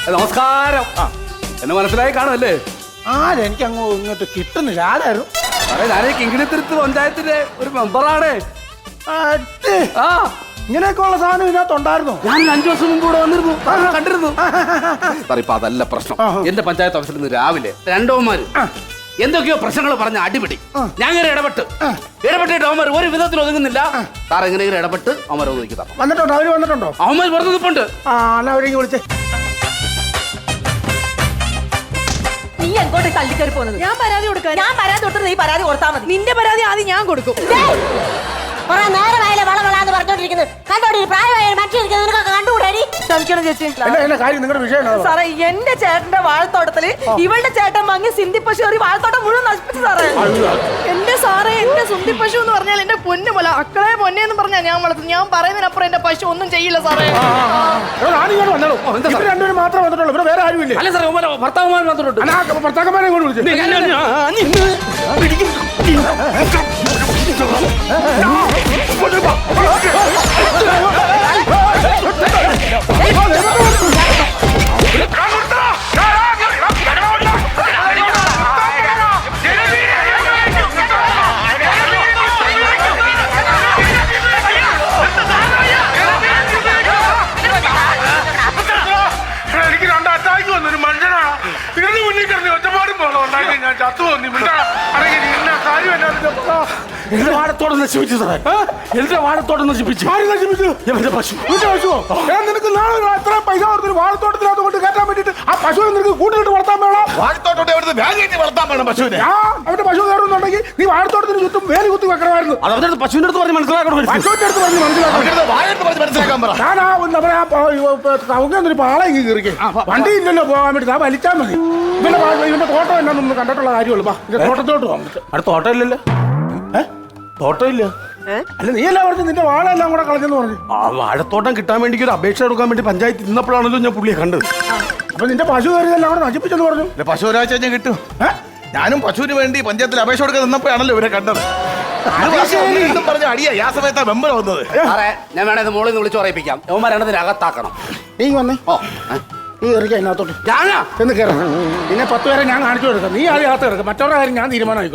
നമസ്കാരം. എന്നെ മനസ്സിലായി കാണുമല്ലേ? എനിക്ക് അങ്ങ് ഇങ്ങോട്ട് കിട്ടുന്നില്ല. ആരായിരുന്നു? ഞാൻ കിങ്ങിണിത്തുരുത്ത് പഞ്ചായത്തിന്റെ ഒരു മെമ്പറാണ്. ഇങ്ങനെയൊക്കെ ഉള്ള സാധനം ഇതിനകത്തുണ്ടായിരുന്നു. ഞാൻ 5 വർഷം മുമ്പ് ഇവിടെ വന്നിരുന്നു, കണ്ടിരുന്നു. സാർ, ഇപ്പൊ അതല്ല പ്രശ്നം. എന്റെ പഞ്ചായത്ത് ഓഫീസിൽ നിന്ന് രാവിലെ രണ്ടോമാര് എന്തൊക്കെയോ പ്രശ്നങ്ങൾ പറഞ്ഞ അടിപിടി. ഞാൻ ഇങ്ങനെ ഇടപെട്ടിട്ട് അവന്മാർ ഒരു വിധത്തിൽ ഒതുങ്ങുന്നില്ല. സാർ എങ്ങനെ ഇടപെട്ട് അവന്മാർ ഒതുക്കി തരണം. വന്നിട്ടുണ്ടോ? അവര് വന്നിട്ടുണ്ടോ? അവന്മാർ പറഞ്ഞിട്ടുണ്ട്. അവരേക്ക് വിളിച്ചേ. നീ എങ്ങോട്ട് തള്ളിക്കറി പോകുന്നത്? ഞാൻ പരാതി കൊടുക്കാൻ. ഞാൻ പരാതി കൊടുത്തിട്ട് നീ പരാതി കൊടുത്താൽ മതി. നിന്റെ പരാതി ആദ്യം ഞാൻ കൊടുക്കും. നേരമായാലേ വളവളാന്ന് പറഞ്ഞോണ്ടിരിക്കുന്നത് കണ്ടോടി. പ്രായമായ മനുഷ്യർക്ക് കണ്ടുകൂടാടി. ക്ഷമിക്കണം ചേച്ചി. നിങ്ങളുടെ വിഷയം സാറേ, എന്റെ ചേട്ടന്റെ വാഴത്തോട്ടത്തില് ഇവളുടെ ചേട്ടൻ വാങ്ങി സിന്ധി പശു ഒരു വാഴത്തോട്ടം മുഴുവൻ നശിപ്പിച്ചു സാറേ. എന്റെ സുന്ദി പശു എന്ന് പറഞ്ഞാൽ എന്റെ പൊന്നു പോലെ അക്കളെ പൊന്നെ എന്ന് പറഞ്ഞാൽ ഞാൻ വളർത്തും. ഞാൻ പറയുന്നതിനപ്പുറം എന്റെ പശു ഒന്നും ചെയ്യില്ല സാറേ. രണ്ടുപേരും മാത്രമേ വന്നിട്ടുള്ളൂ. ഇവിടെ വേറെ ആരും ഇല്ലേ? അല്ല സാറേ, ഭർത്താക്കന്മാർ വന്നിട്ടുണ്ട്. ഭർത്താക്കന്മാരെ കൊണ്ട് വിളിച്ചു. എനിക്ക് 2 അറ്റാക്ക് വന്നൊരു മനുഷ്യനാണ്. ഇതിന് മുന്നിൽ കിടന്ന് ഒറ്റപ്പാടും പോലെ ഉണ്ടാക്കി ഞാൻ ചത്തു തോന്നി. എന്റെ വാഴത്തോടെ നശിപ്പിച്ചു സാറേ. എന്റെ വാഴത്തോടെ നശിപ്പിച്ചു. എന്റെ പശു. നിനക്ക് നാളെ എത്ര പൈസ കൊടുത്തൊരു വാഴത്തോട്ടത്തിനകത്ത് കൊണ്ട് കയറ്റാൻ വേണ്ടിട്ട് ആ പശുവിനെ നിനക്ക് കൂട്ടിലിട്ട് വളർത്താൻ വേണം. വാഴത്തോട്ടോടെ വളർത്താൻ വേണം പശുവിനെ. അവന്റെ പശു കയറുന്നുണ്ടെങ്കിൽ നീ വാഴത്തോട്ടത്തിന് ചുറ്റും വേലി കുത്തി വെക്കണമായിരുന്നു. അത് പശുവിന്റെ അടുത്ത് പറഞ്ഞ് മനസ്സിലാക്കണം. പശുവിന്റെ അടുത്ത് പറഞ്ഞ് മനസ്സിലാക്കാൻ പറ. ഞാൻ ഒരു പാള ഇങ്ങ് കയറിക്കേ. വണ്ടി ഇല്ലല്ലോ പോകാൻ വേണ്ടി. ആ വലിച്ചാൽ മതി. ഇവന്റെ തോട്ടം എന്നാന്നൊന്നും കണ്ടിട്ടുള്ള കാര്യമുള്ളൂ. തോട്ടത്തോട്ട് പോകാൻ പറ്റും. അടുത്ത തോട്ടം ഇല്ലല്ലോ. തോട്ടം ഇല്ല. അല്ല, നീ എല്ലാം പറഞ്ഞു നിന്റെ വാഴ എല്ലാം കൂടെ കളഞ്ഞെന്ന് പറഞ്ഞു. വാഴത്തോട്ടം കിട്ടാൻ വേണ്ടി ഒരു അപേക്ഷ എടുക്കാൻ വേണ്ടി പഞ്ചായത്ത് ഇന്നപ്പോഴാണല്ലോ ഞാൻ പുള്ളിയെ കണ്ടത്. അപ്പൊ നിന്റെ പശു കയറിയതെല്ലാം കൂടെ നശിപ്പിച്ചെന്ന് പറഞ്ഞു. പശു ഒരാഴ്ച കഴിഞ്ഞാൽ കിട്ടും. ഞാനും പശുവിന് വേണ്ടി പഞ്ചായത്തിൽ അപേക്ഷ കൊടുക്കാൻ നിന്നപ്പോഴാണല്ലോ ഇവരെ കണ്ടത്. പറഞ്ഞ അടിയാ ആ സമയത്താ മെമ്പർ വന്നത്. ഞാൻ വേണേ മോളിൽ നിന്ന് വിളിച്ചു പറയിപ്പിക്കാം. യവന്മാരെണ്ണത്തിന് അകത്താക്കണം. നീ വന്നേ. നീ കയറിക്കാം ഇതിനകത്തോട്ട്. ഞാനാ എന്ന് കയറണം. പിന്നെ 10 പേരെ ഞാൻ കാണിച്ചു കൊടുക്കാം. നീ ആദ്യം അകത്ത് കിടക്കാം. മറ്റവരുടെ കാര്യം ഞാൻ തീരുമാനമായിരിക്കും.